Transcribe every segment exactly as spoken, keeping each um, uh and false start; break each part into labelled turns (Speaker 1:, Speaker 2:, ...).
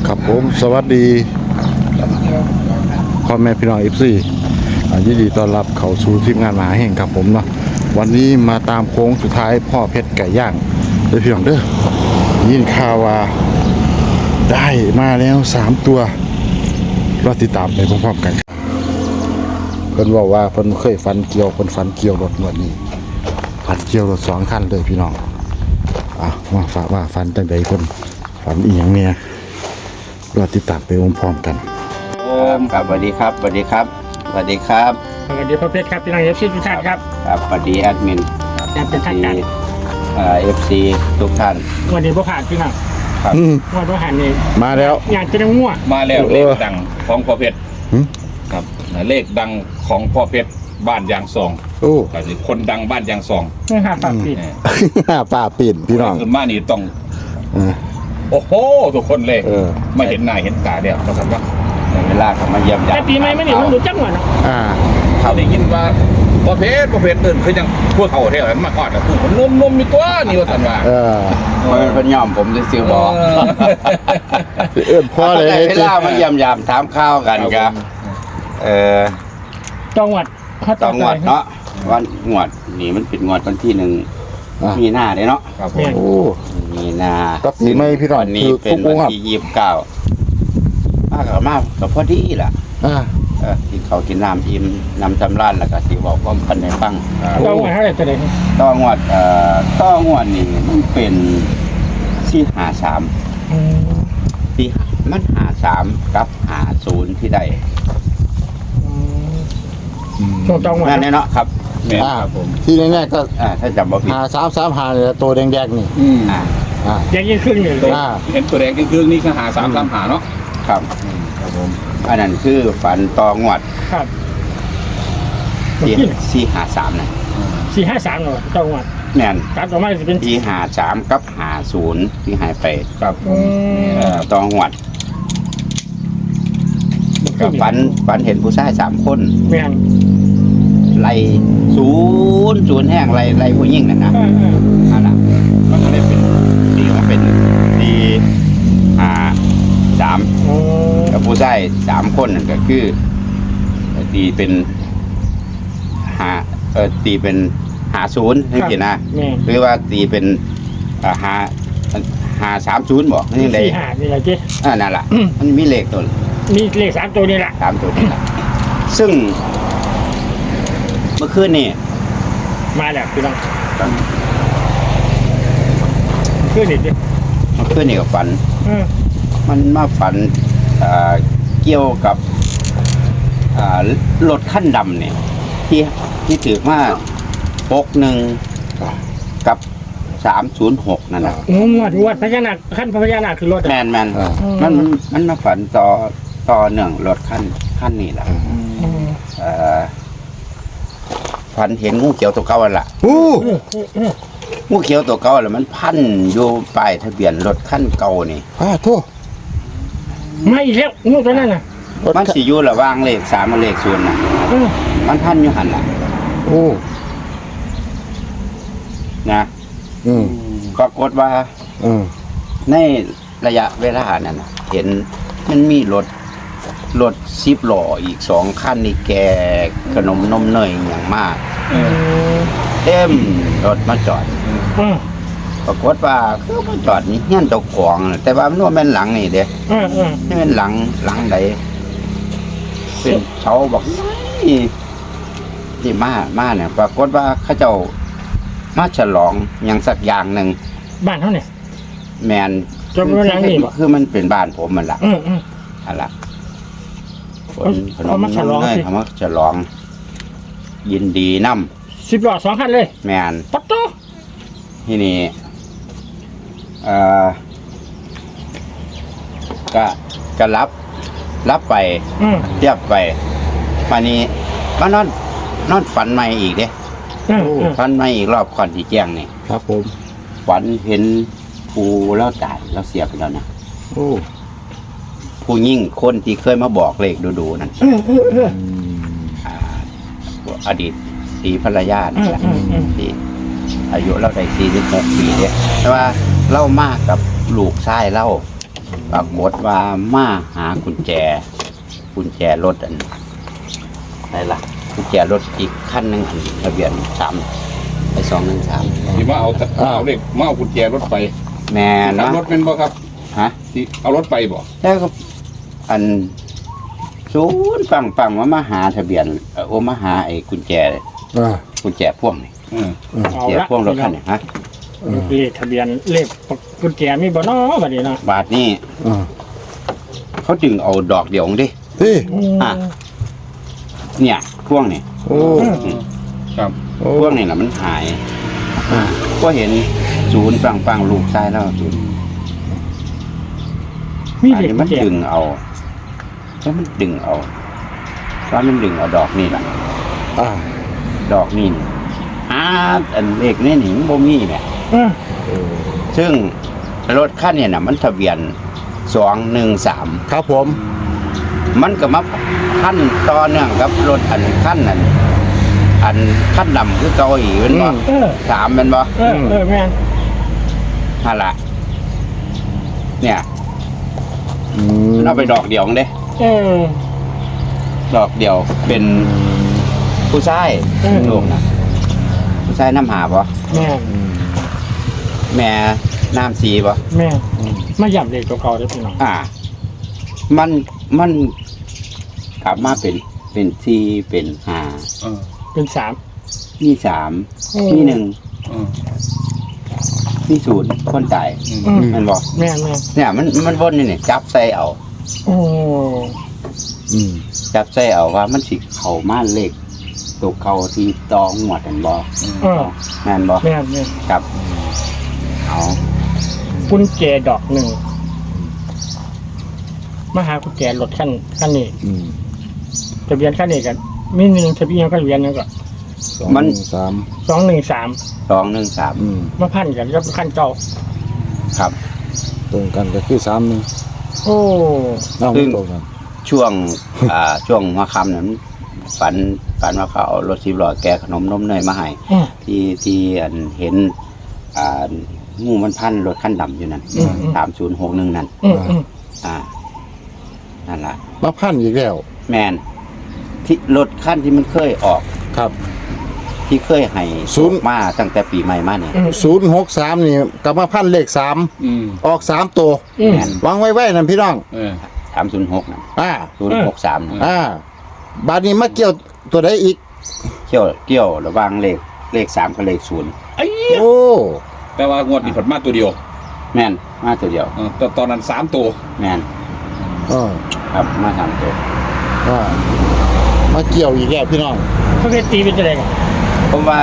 Speaker 1: ครับผมสวัสดีพ่อแม่พี่น้องเอฟซียินดีต้อนรับเข้าสู่ทีมงานมหาแห่งครับผมเนาะวันนี้มาตามโค้งสุดท้ายพ่อเพชรไก่ย่างเด้อพี่น้องเด้อยินข่าวว่าได้มาแล้วสามตัวรอติดตามไปพร้อมๆกันเพิ่นบอกว่าเพิ่นเคยฟันเกี่ยวเพิ่นฟันเกี่ยวรถงวดนี้ฟันเกี่ยวรถสองคันเลยพี่น้องอ่ะว่าฝากว่าฟันจังใดเพิ่นฝันอีหยังเนี่ยรอติดตามไปพร้อมๆกัน
Speaker 2: โอ้ครับสวัสดีครับสวัสดีครับสวัสดีครับ
Speaker 3: สวัสดีพ่อเพชรครับพี่น้องเอฟซีทุกท่านครับ
Speaker 2: ครับสวัสดีแอดมิน
Speaker 3: แอดเป็นท่านกัน
Speaker 2: เอ่อเอฟซีทุกท่าน
Speaker 3: วันนี้พ่อผ่านพี่น้อง
Speaker 2: ครับ
Speaker 3: วันพ่อผ่านนี่
Speaker 1: มาแล้ว
Speaker 3: อยากจะได้ง่ว
Speaker 4: มาแล้วเลขดังของพ่อเพชรครับเลขดังของพ่อเพชรบ้านยางซอง
Speaker 1: โอ้
Speaker 4: คนดังบ้านยางซอง
Speaker 3: นี่ค่ะปากปิด
Speaker 1: ป่าปิ่นพี่น้อง
Speaker 4: ขึ้นมานี่ต้องโอ้โหทุกคนเลยไม่เห็นหน้าเห็นตาเดียวมาสักว่า
Speaker 2: เวลาเขามาเยี่ยมญาติ
Speaker 3: แต่ปีใหม่ไม่เนี่ยมันดูจังหวะเนาะ
Speaker 1: อ่า
Speaker 4: เขาได้ยินว่าพ่อเพชรพ่อเพชรตื่นคือยังพวกเขาเท่าไหร่มาก่อนนะพูดนมนมมีตัวนี่ว่าสันว่า
Speaker 1: เออ
Speaker 2: มันเป็นย่อมผมจะซื้อบอก
Speaker 1: เอื้อนพ่อเลย
Speaker 2: เวลามาเยี่ยมยามถามข้าวกันครับเออ
Speaker 3: จังหวัด
Speaker 2: จังหวัดเนาะวันงวดนี่มันเป็นงวดวันที่หนึ่งมีหน้าเลยเนาะ
Speaker 1: ครับผมโอ้
Speaker 2: มีหน้า
Speaker 1: ก็ปีใหม่พี่น้อง
Speaker 2: นี่เป็นวันที่ยี่สิบเก้ามากกับมากกับพอดีล่ะ
Speaker 1: อ่า
Speaker 2: เออที่เขากินน้ำอิ่มน้ำจำร้านแล้วก็ที่บอกว่าพันในฟัง
Speaker 3: จังหวัดเท่าไหร่จะได้
Speaker 2: ต้องวดเอ่อต้องวดนี่มันเป็นสี่หาสามที่มันหาสามกับหาศูนย์ที่ใด
Speaker 3: ช่วงจังหวัด
Speaker 2: นั่นเนาะครับ
Speaker 1: อ่าผมที่แน่ๆก็
Speaker 2: อ่าถ้าจำบ่ผิด
Speaker 1: หาสามสามหาเนี่ยตัวแดงๆนี่
Speaker 2: อ่า
Speaker 1: อ่า
Speaker 3: แดงยิ่งขึ้นเลย
Speaker 4: เห็นตัวแดงยิ่งขึ้นนี่คือหาสามสามหาเนาะ
Speaker 2: ครับครับผมอันนั้นคือฝันตองวด
Speaker 3: ครับ
Speaker 2: สี่สี่หาสามนะ
Speaker 3: สี่ห้าสามเหรอจังหวัด
Speaker 2: แน่น
Speaker 3: ตัดออกมาจะเป็น
Speaker 2: สี่หาสามกับหาศูนย์ที่หายไป
Speaker 4: ครับ
Speaker 2: เอ่อตองวดก็ฝันฝันเห็นผู้ชายสามคน
Speaker 3: แม่น
Speaker 2: ไล่ศูนย์ศูนย์แห้งไล่ไล่ผู้หญิงนั่นนะนั่นแหละก็เลยเป็นตีมาเป็นตีหาสามกับผู้ชายสามคนนั่นก็คือตีเป็นหาเออตีเป็นหาศูนย์นี่สินะหรือว่าตีเป็นหาหาสามศูนย์บอกนี่เลย
Speaker 3: หานี่แหละจี
Speaker 2: อ่านั่นแหละมันมีเลขตัว
Speaker 3: มีเลขสามตัวนี่แหละ
Speaker 2: สามตัวนี่แหละซึ่งเมื่อคืนนี่
Speaker 3: มาแล้วพี่น้องคืนนี่ดิ
Speaker 2: เมื่อคืนนี่ก็ฝันมันมาฝันเกี่ยวกับรถขั้นดำเนี่ยที่ที่ถือว่าปกหนึ่งกับสามศูนย์หกนั่นแหละ
Speaker 3: งวดงวดพญานาคขั้นพญานาคคือรถ
Speaker 2: แมนแมนมันมันมาฝันต่อต่อเนื่องรถขั้นขั้นนี่แหละฝันเห็นงูเขียวตัวเก่าแหละงูเขียวตัวเก่าแหละมันพันอยู่ปลายทะเบียนรถขั้นเก่านี่
Speaker 1: อ้าโทษ
Speaker 3: ไม่แล้วงูตัวนั้นน่ะ
Speaker 2: มันสิอยู่ระหว่างเลขสามกับเลขศูนย์น่ะมันพันอยู่หันล่ะ
Speaker 1: โอ้
Speaker 2: นะ
Speaker 1: อืม
Speaker 2: ปรากฏว่า
Speaker 1: อืม
Speaker 2: ในระยะเวลานั้นเห็นมันมีรถรถซิปหล่ออีกสองคันนี่แกขนมนมเนยอย่างมากเต็มรถมาจอดปรากฏว่าคือมาจอดนี่เงี้ยตกของแต่ว่ามันว่าแม่นหลังนี่เด้นี่เป็นหลังหลังใดเป็นเสาบอกนี่ที่มามาเนี่ยปรากฏว่าเขาเจ้ามาฉลองอย่างสักอย่างหนึ่ง
Speaker 3: บ้านเขาเนี่ย
Speaker 2: แมน
Speaker 3: จำนวนหลังนี่
Speaker 2: คือมันเป็นบ้านผมมันละอะไร
Speaker 3: เขามาฉลอง
Speaker 2: เขามาฉลองยินดีน
Speaker 3: ำสิบล้อสองคันเลย
Speaker 2: แมน
Speaker 3: ปัตโต้
Speaker 2: ที่นี่เอ่อก็ก็รับรับไปเทียบไปวันนี้มานอนนอนฝันใหม่อีกเด้ฝันใหม่อีกรอบก่อนที่แจ้งนี่
Speaker 1: ครับผม
Speaker 2: ฝันเห็นภูแล้วตายแล้วเสียไปแล้วนะ
Speaker 1: โอ้
Speaker 2: ผู้ยิ่งคนที่เคยมาบอกเลขดูๆนั่นอดีตสีภรรยานี่แหละที่อายุเราได้สี่สิบหกปีเนี่ยแต่ว่าเล่ามากกับลูกชายเล่าปรากฏว่ามาหากุญแจกุญแจรถอันอะไรล่ะกุญแจรถอีกคันหนึ่งอันทะเบียนสามไปสองหนึ่งสาม
Speaker 4: ที่มาเอาเอาเด็กมาเอากุญแจรถไป
Speaker 2: แม่น
Speaker 4: ขับ
Speaker 2: นะ
Speaker 4: รถเป็นบ่ครับ
Speaker 2: ฮะ
Speaker 4: ที่เอารถไปบ่
Speaker 2: แล้วก็อันศูนย์ปังปังมามาหาทะเบียนเอ่อโอมาหาไอ้กุญแจ
Speaker 1: อ่า
Speaker 2: กุญแจพ่วงนี่
Speaker 4: อืม
Speaker 3: เอา
Speaker 2: กุญแจ
Speaker 3: ละ
Speaker 2: พ่วงรถคันนี้ฮะ
Speaker 3: เลขทะเบียนเลขกุญแจมีบ่เนาะบัดนี้เนาะ
Speaker 2: บาทนี่
Speaker 1: อ่า
Speaker 2: เขาจึงเอาดอกเดียวของดิ
Speaker 1: ที่
Speaker 2: อ่ะ เนี่ยพ่วงนี่
Speaker 1: โอ้
Speaker 4: ครับ
Speaker 1: โอ้
Speaker 2: พ่วงนี่แหละมันหายอ่าก็เห็นศูนย์ปังปังลูกชายแล้วศูนย์
Speaker 3: มี
Speaker 2: อัน
Speaker 3: เลข
Speaker 2: นี้
Speaker 3: กุ
Speaker 2: มั
Speaker 3: ญ
Speaker 2: น
Speaker 3: แจ
Speaker 2: ดึงเอาแล้วมันดึงเอาว่ามันดึงเอาดอกนี่แหละ
Speaker 1: อ่า
Speaker 2: ดอกนี่นี่อ่าอันเลขนี่หนิบ่มีเนี่ย
Speaker 3: เออ
Speaker 2: ซึ่งรถคันเนี่ยน่ะมันทะเบียนสองหนึ่งสาม
Speaker 1: ครับผม
Speaker 2: มันก็มาขั้นต่อเนื่องกับรถอันขั้นนั้นอันขั้นดำคือเกาอีเป็นบ่
Speaker 3: เออ
Speaker 2: สามเป็นบ่
Speaker 3: เออเออแม่น
Speaker 2: ฮะละเนี่ย
Speaker 1: อืม
Speaker 2: มันเอาไปดอกเดียวเด้
Speaker 3: เออ
Speaker 2: ดอกเดียวเป็นผู้ชาย
Speaker 3: อืม
Speaker 2: ลูกนะผู้ชายน้ำหาบ่
Speaker 3: แม่น
Speaker 2: แม่น้ำสีบ่
Speaker 3: แม่นมาย่ำเลขตัวเก่าเด้อพี่น้อง
Speaker 2: อ่า มันมันกลับมาเป็นเป็นสี่เป็นห้า
Speaker 4: เออ
Speaker 3: เป็นสาม
Speaker 2: มีสาม
Speaker 3: อืม
Speaker 2: มีหนึ่ง
Speaker 4: เออ
Speaker 2: มีศูนย์คนตาย
Speaker 4: อืม
Speaker 3: อืม
Speaker 2: มันบอก
Speaker 3: แม่นแม่น
Speaker 2: เนี่ยมันมันวนนี่เนี่ยจับใส่เอา
Speaker 3: โอ้
Speaker 1: อืม
Speaker 2: จับใส่เอาว่ามันสิเข้ามาเลขตัวเก่าที่ตองหมวดกันบ่
Speaker 3: เออ
Speaker 2: แม่นบ่
Speaker 3: แม่นแม่น
Speaker 2: ครับเอา
Speaker 3: กุญแจดอกหนึ่งมาหากุญแจรถคันคันนี้
Speaker 1: อืม
Speaker 3: ทะเบียนคันนี้กันมีหนึ่งทะเบียนก็ทะเบียนหนึงก็
Speaker 1: สองหนึ่งสาม
Speaker 3: สองหนึ่งสาม
Speaker 2: สองหนึ่งสาม
Speaker 1: อืม
Speaker 3: มาพันกันกับคันเก่า
Speaker 2: ครับ
Speaker 1: ตรงกันก็คือสามหนึ่ง
Speaker 3: โอ้
Speaker 1: เอ้า
Speaker 2: ซึ่
Speaker 1: ไม่
Speaker 2: ง
Speaker 1: ตรงกัน
Speaker 2: ช่วง อ่าช่วงหัวค่ำนั้นฝันฝันว่าเขาเอารถสิบล้อแกะขนมนมเนยมาให้
Speaker 3: อืม
Speaker 2: ที่ที่อันเห็น อ่างูมันพันรถคันดำอยู่นั่น
Speaker 3: อืมอืม
Speaker 2: สามศูนย์หกหนึ่งนั่น
Speaker 3: อืมอืม
Speaker 2: อ่านั่นล่ะ
Speaker 1: มาพันอีกแล้ว
Speaker 2: แมนที่รถคันที่มันเคยออก
Speaker 1: ครับ
Speaker 2: ที่เคยให้
Speaker 1: ศูนย์
Speaker 2: มาตั้งแต่ปีใหม่มาเนี่ย
Speaker 3: อืม
Speaker 1: ศูนย์หกสามนี่กลับมาพันเลขสาม
Speaker 4: อืม
Speaker 1: ออกสามตัว
Speaker 3: อืม
Speaker 2: แมน
Speaker 1: วางไว้ไว้นั่นพี่น้อง
Speaker 4: เออ
Speaker 2: สามศูนย์หกนั่น
Speaker 1: อ่า
Speaker 2: ศูนย์หกสามนั่น
Speaker 1: อ่า บาดนี้มาเกี่ยวตัวใดอีก
Speaker 2: เกี่ยวเกี่ยวระหว่างเลขเลขสามกับเลขศูนย์
Speaker 3: ไอ้
Speaker 1: โอ้
Speaker 4: แต่ว่างวดนี้ผลมาตัวเดียว
Speaker 2: แมนมาตัวเดียว
Speaker 4: เออแต่ตอนนั้นสามตัว
Speaker 2: แมน
Speaker 1: เออ
Speaker 2: ครับมาสามตัว
Speaker 1: อ่ามาเกี่ยวอีกแล้วพี่น้อง
Speaker 3: เขาเคยตีเป็นจะไรกัน
Speaker 2: ผมว่า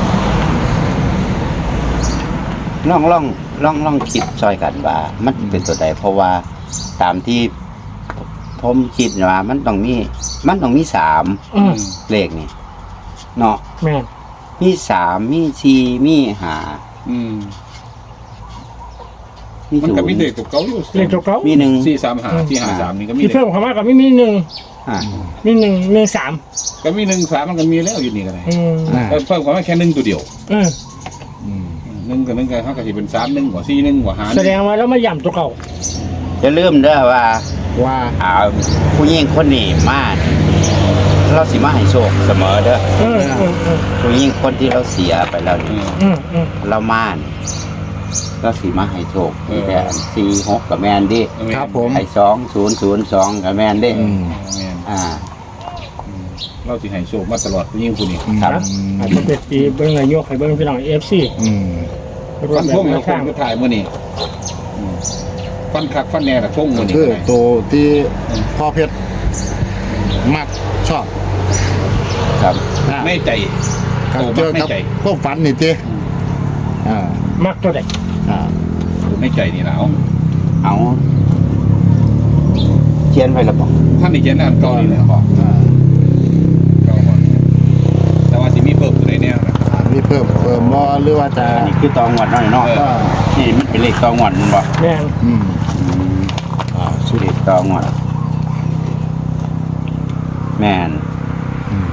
Speaker 2: ล่องล่องล่องล่องคิดซอยกันว่า มันเป็นตัวใดเพราะว่าตามที่ผมคิดว่ามันต้องมีมันต้องมีสาม
Speaker 3: อืม
Speaker 2: เลขนี่เนาะ
Speaker 3: แม่น
Speaker 2: มีสามมีสี่มีห้า
Speaker 4: อืม
Speaker 2: มี
Speaker 4: มัน
Speaker 2: ศู
Speaker 4: ก็
Speaker 2: น
Speaker 4: มีเด็ก
Speaker 2: ย์
Speaker 4: ตัวเก่าอยู่
Speaker 3: เลขตัวเก่า
Speaker 2: มีหนึ่ง
Speaker 4: สี่สามหาที่หาสามนี่ก็มี
Speaker 3: ที่
Speaker 4: เด็ก
Speaker 3: เพิ่มเข้ามากับไม่มีหนึ่ง
Speaker 2: อ่า
Speaker 3: มีหนึ่งหนึ่งสาม
Speaker 4: ก็มีหนึ่งสามมันก็มีแล้วอยู่นี่ก็ได้
Speaker 3: อืม
Speaker 1: อ่า
Speaker 4: เออเพิ่มความว่าแค่หนึ่งตัวเดียว
Speaker 3: เออ
Speaker 1: อืม
Speaker 4: หนึ่งกับหนึ่งกันเขาก็สิเป็นสามหนึ่งกว่าสี่หนึ่งกว่าหาห
Speaker 3: แส
Speaker 4: นึ่ง
Speaker 3: ดงว่าเรามาย่ำตัวเก่า
Speaker 2: จะลืมเด้อว่า
Speaker 1: ว่า
Speaker 2: อ่าผู้หญิงคนนี้มาเราสิมาให้โชคเสมอเด้อ
Speaker 3: เออเออเออ
Speaker 2: ผู้หญิงคนที่เราเสียไปแล้ว
Speaker 4: เอ
Speaker 2: นี่
Speaker 4: อ
Speaker 3: อืมอืม
Speaker 2: เรามานี่เราสิมาให้โชค
Speaker 4: เออ
Speaker 2: แต่สี่หกกับแมนดิ
Speaker 1: ครับผม
Speaker 2: ให้สองศูนย์ศูนย์สองกับแมนดิ
Speaker 1: อืม
Speaker 4: แม่น
Speaker 2: อ่า
Speaker 4: เราสิให้โชคมาตลอดผู้หญิงผู้นี้
Speaker 2: ครับ
Speaker 3: อาจจะเป็นปีเบิ้งนายกให้เบิ้งพี่น้องเอฟซี
Speaker 1: อืม
Speaker 3: รว
Speaker 4: ฟั
Speaker 3: ม
Speaker 4: น
Speaker 3: แบบ
Speaker 4: ท่ง
Speaker 3: แน
Speaker 4: แล้ว
Speaker 3: ว
Speaker 4: ค
Speaker 3: ทาง
Speaker 4: นก็ถ่ายมื่อนี้อืมฟันคักฟันแน่ละท่งมื่อนี้
Speaker 1: คือ
Speaker 4: ก็ได้
Speaker 1: ตัวที่พ่อเพชรมักชอบ
Speaker 2: ครับ
Speaker 1: อ่า
Speaker 4: ในใจ
Speaker 1: ครับ
Speaker 4: โต
Speaker 1: เจ
Speaker 4: มาก
Speaker 1: อ
Speaker 4: ใน
Speaker 1: กับ
Speaker 4: ใจ
Speaker 1: พวกฝันนี่เจ้อ่า
Speaker 3: มักตัวใด
Speaker 1: อ่า
Speaker 4: ในใจนี่แล้ว
Speaker 2: เอาเขียนไว้แล้วบอก
Speaker 4: ท่านนี่เขียนอันเก่านี่แหละบอก
Speaker 1: อ่า
Speaker 4: เก่าก่อนแต่ว่าสิมีเพิ่มตัวใดแน่นะ
Speaker 1: อ่ามีเพิ่มเพิ่มบ่หรือว่าจะ
Speaker 2: อันนี้คือตองวดน้อยเนาะ
Speaker 4: เออ
Speaker 1: อ่า
Speaker 2: นี่มันเป็นเลขตองวดมันบอก
Speaker 3: แม่น
Speaker 1: อืมอ่าสุด
Speaker 2: เลขตองวดแมน
Speaker 1: อืม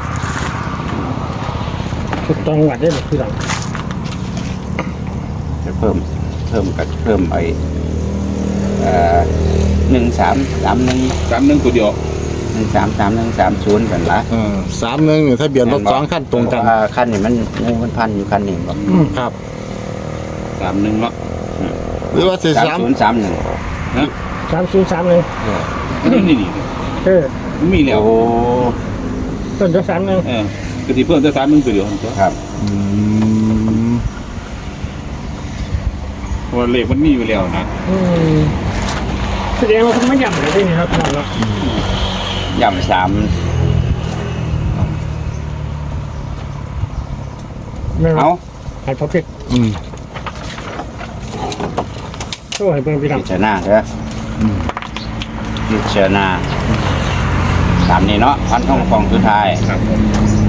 Speaker 3: ชุดตองหวัดได้หรือพี่น้อง
Speaker 2: จะเพิ่มเพิ่มกับเพิ่มไอ้เอ่อ่อหนึ่งสามสามหนึ่ง
Speaker 4: สามหนึ่งตัวเดียว
Speaker 2: หนึ่งสามสามหนึ่งสามศูนย์กันละ
Speaker 1: เออสามหนึ่งนี่ทะเบียนรถสองคันตรงกัน
Speaker 2: เพาะว่าคันนี่มันงูมันพันอยู่คันนี้บ่
Speaker 1: ครับ
Speaker 4: สามหนึ่งเนาะ
Speaker 1: หรือว่าสี่
Speaker 2: สาม
Speaker 1: สาม
Speaker 2: ศูนย์สามหนึ่ง
Speaker 4: นะ
Speaker 3: สามศูนย์สามเลย
Speaker 4: นี่นี่นี่
Speaker 3: เออ
Speaker 4: มีแล้ว
Speaker 2: โอ้
Speaker 3: ต้นจะสามหนึ่ง
Speaker 4: เออคือที่เพิ่มแต่สามหนึ่งตัวเดียวตัว
Speaker 2: ครับ
Speaker 1: อืม
Speaker 4: เพราะว่าเลขมันมีอยู่แล้วนะ
Speaker 3: อืมแสดงว่าคุณไม่ย่ำเลยนี่ครับเนาะ
Speaker 2: ย่ำสาม
Speaker 3: ไม่
Speaker 2: เอา
Speaker 3: ให้พอพิษ
Speaker 1: อืม
Speaker 3: โอ้ให้เบิ่งพี่
Speaker 2: พิ
Speaker 3: น้ำ
Speaker 2: จารณาเถอะพิจารณาตามนี้เนาะพันท่องกองสุดท้าย
Speaker 4: ครับผม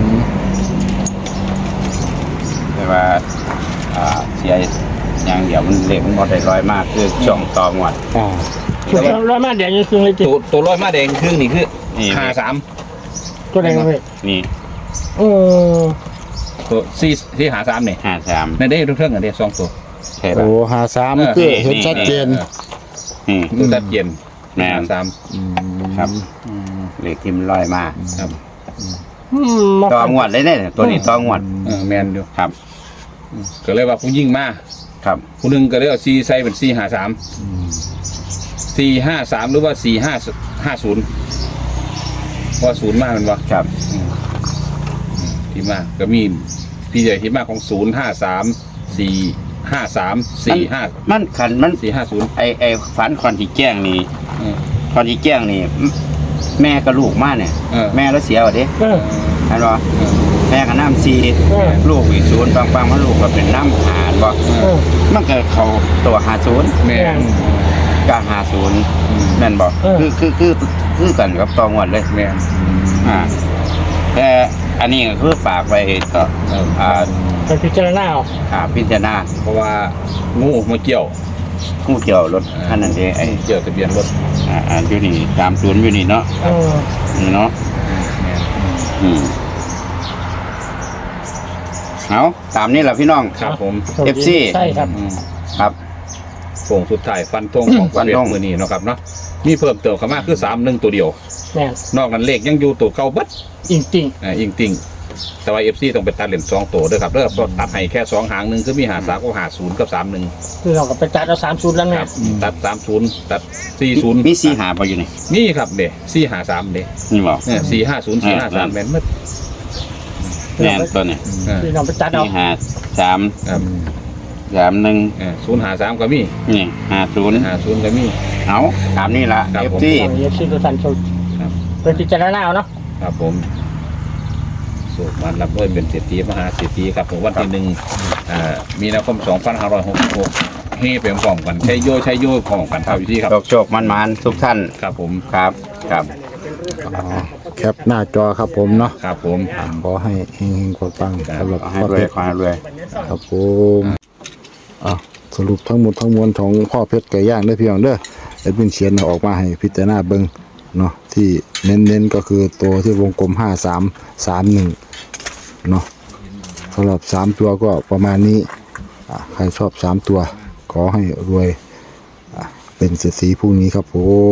Speaker 2: แต่ว่าอ่าเสียอย่างเดียวมันเล็กมันหมดได้ร้อยมากคือช่องต่องวด
Speaker 1: อ่า
Speaker 3: ส่วนร้อยมาแดงยังคือเลยจิ
Speaker 4: ตัวตัวร้อยมาแดงครึ่งนี่คือ
Speaker 2: นี่
Speaker 4: ห้าสาม
Speaker 3: ตัวแดงเลย
Speaker 2: นี่
Speaker 3: โอ้
Speaker 4: ตัวสี่ที่หาสามเนี่ย
Speaker 2: ห้าสาม
Speaker 4: ในได้ทุกเรื่องกันเดียสองตัว
Speaker 2: ใช่ป่ะ
Speaker 1: โอ้หาสาม
Speaker 4: เออ
Speaker 1: คือเห็นชัดเจน
Speaker 2: นี่
Speaker 4: ตัวตัดเย็น
Speaker 2: แม่น
Speaker 4: หาสาม
Speaker 2: ครับเลขที่มันร้อยมาก
Speaker 4: ครับ
Speaker 3: อืมมา
Speaker 2: ต่องวดเลยเนี่ยตัวนี้ต่องวด
Speaker 4: เออแมนอยู่
Speaker 2: ครับ
Speaker 4: ก็เลยว่าผู้ยิ่งมา
Speaker 2: ครับ
Speaker 4: ผู้หนึ่งก็เลยเอาซีใส่เป็นสี่ห้าสามสี่ห้าสามหรือว่าสี่ห้าห้าศูนย์ว่าศูนย์มากมันวะ
Speaker 2: ครับ
Speaker 4: ที่มากก็มีพี่ใหญ่ที่มากของศูนย์ห้าสามสี่ห้าสามสี่ห้า
Speaker 2: มันขันมัน
Speaker 4: สี่ห้าศูนย์
Speaker 2: ไอไอฝันคอนที่แจ้งนี่คอนที่แจ้งนี่มแม่กับลูกมาเนี่ย
Speaker 4: เออ
Speaker 2: แม่แล้วเสียว่ะเด้
Speaker 3: เออ
Speaker 2: เห็นบ่แม่กับน้ำซี
Speaker 3: เออ
Speaker 2: ลูกอีกศูนย์ปังปังๆมันลูกก็เป็นน้ำหานบ่
Speaker 3: เออ
Speaker 2: มันก็เขาตัวหาศูนย์
Speaker 4: แม่น
Speaker 2: กาหาศูนย์แม่นบ่
Speaker 3: เออ
Speaker 2: คือคือคือคือกันกับตองวดเลย
Speaker 4: แม่น
Speaker 2: อ่าแต่อันนี้ก็คือฝากไปก็
Speaker 4: เออ
Speaker 2: อ่า
Speaker 3: ไปพิจารณาเอา
Speaker 2: อ่าพิจารณา
Speaker 4: เพราะว่างูมาเกี่ยว
Speaker 2: ผู้เกี่ยวรถคันนั้นเองไอ้
Speaker 4: เกี่ยวทะเบียนรถ
Speaker 2: อ่าอ่าอยู่นี่ตามศูนย์อยู่นี่เนาะ
Speaker 3: เออ
Speaker 2: นี่เนาะ
Speaker 4: แม่น
Speaker 2: อืมเอาตามนี้แหละพี่น้อง
Speaker 4: ครับผม
Speaker 2: เอฟซี
Speaker 3: ใช่ครับ
Speaker 4: อืม
Speaker 2: ครับ
Speaker 4: โป่งสุดท้ายฟันธงของ
Speaker 2: ฟันธง
Speaker 4: มือนี้เนาะครับเนาะมีเพิ่มเติมเข้ามาคือสามหนึ่งตัวเดียว
Speaker 3: แม่น
Speaker 4: นอกนั้นเลขยังอยู่ตัวเก่าเบัด
Speaker 3: จริงจริง
Speaker 4: อ่าอิงติงแต่ว่าเอฟซีต้องไปตัดเหรียญสองตัวด้วยครับเด้อเพราะตัดให้แค่สองหางหนึ่งคือมีหาสามก็หาศูนย์กับสามหนึ่ง
Speaker 3: ๆคือเราก็ไปจัดเอาสามศูนย์แล้ว
Speaker 4: ค
Speaker 3: แม่
Speaker 4: รับตัดสามศูนย์ตัดสี่ศูนย์
Speaker 2: มีสีหาพออยู่นี่
Speaker 4: นี่ครับเด้สี่หาสามเด้
Speaker 2: นี่บอก
Speaker 4: เนี่ยสี่ห้าศูนย์สี่ห้าสามแม่นหมด
Speaker 2: แน่นตัวนี้
Speaker 4: อ่า
Speaker 3: คือเราไปจัดเอา
Speaker 2: นี่หาสาม
Speaker 4: ครับ
Speaker 2: สามหนึ่ง
Speaker 4: ศูนย์หาสามก็มี
Speaker 2: นี่หาศูนย์
Speaker 4: หาศูนย์ก็มี
Speaker 2: เอาตามนี้ละ
Speaker 4: ครับ
Speaker 2: เอฟ
Speaker 4: ผม
Speaker 2: ซี
Speaker 3: เราเย็บซีตัวสันโชว์
Speaker 4: ครับ
Speaker 3: ไปพิจารณาเอาเนาะ
Speaker 4: ครับผมสูตรมันรับด้วยเป็นเศรษฐีมหาเศรษฐีครับผมวันที่หนึ่งอ่ามีนาคมสองพันห้าร้อยหกสิบหกเฮ้เป็นพร้อมกันใช้โยใช้โยพร้อมกันครับอยู่ที่ครับ
Speaker 2: โชคโชคมันมันๆทุกท่าน
Speaker 4: ครับผม
Speaker 2: ครับครับ
Speaker 1: อ๋อแคปหน้าจอครับผมเนาะ
Speaker 4: ครับผม
Speaker 1: ขอให้เฮงๆปังๆสำหรับ
Speaker 2: ขอให้
Speaker 1: พ่อ
Speaker 2: รว
Speaker 1: เพ
Speaker 2: ย
Speaker 1: ชร
Speaker 2: ขอให้รวย
Speaker 1: ครับผมอ่ะสรุปทั้งหมดทั้งมวลของพ่อเพชรไก่ย่างได้อพี่น้องเด้อแอดมินเขียนออกมาให้พิจารณาเบิ่งเนาะที่เน้นๆก็คือตัวที่วงกลมห้าสามสามหนึ่งเนาะสำหรับสามตัวก็ประมาณนี้อ่ะใครชอบสามตัว ขอให้รวยอ่ะเป็นเศรษฐีพรุ่งนี้ครับผม